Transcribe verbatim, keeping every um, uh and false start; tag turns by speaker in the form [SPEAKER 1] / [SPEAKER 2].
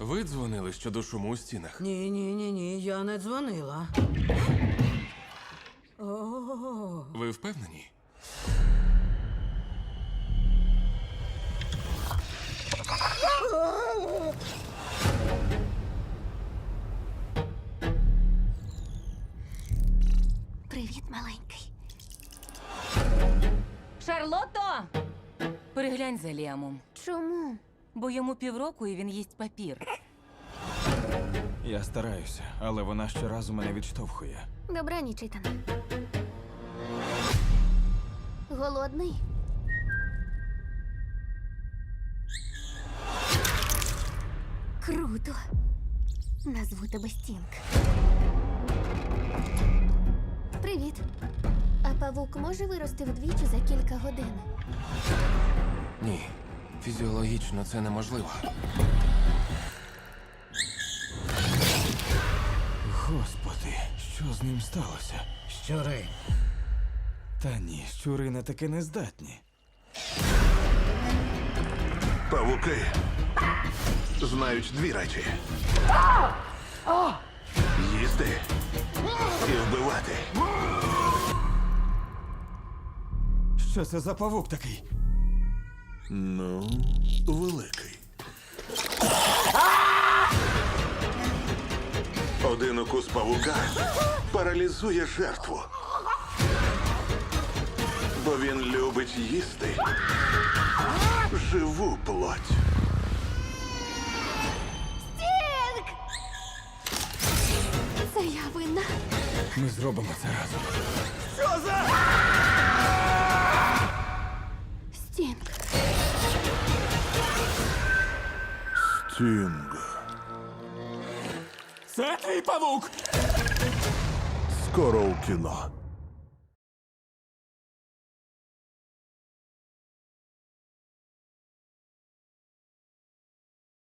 [SPEAKER 1] Ви дзвонили щодо шуму у стінах?
[SPEAKER 2] Ні, ні, ні, ні, я не дзвонила. О,
[SPEAKER 1] Ви впевнені?
[SPEAKER 3] Привіт, маленький.
[SPEAKER 4] Шарлотто! Переглянь за Ліамом,
[SPEAKER 3] Чому?
[SPEAKER 4] бо йому півроку і він їсть папір.
[SPEAKER 5] Я стараюся, але вона щоразу мене відштовхує.
[SPEAKER 3] Добраніч, Ітане. Голодний? Круто. Назву тебе Стінг. Привіт. А павук може вирости вдвічі за кілька годин?
[SPEAKER 1] Ні. Фізіологічно це неможливо.
[SPEAKER 5] Господи, що з ним сталося?
[SPEAKER 2] щури.
[SPEAKER 5] Та ні, щури на таке не здатні.
[SPEAKER 6] Павуки знають дві речі: їсти і вбивати.
[SPEAKER 5] Що це за павук такий?
[SPEAKER 6] Ну, великий. Один укус павука паралізує жертву. Бо він любить їсти живу плоть.
[SPEAKER 3] Стінг! Це я винна.
[SPEAKER 5] Ми зробимо це разом.
[SPEAKER 3] Стінг.
[SPEAKER 6] Стінг.
[SPEAKER 5] Це твій павук!
[SPEAKER 6] Скоро у кіно.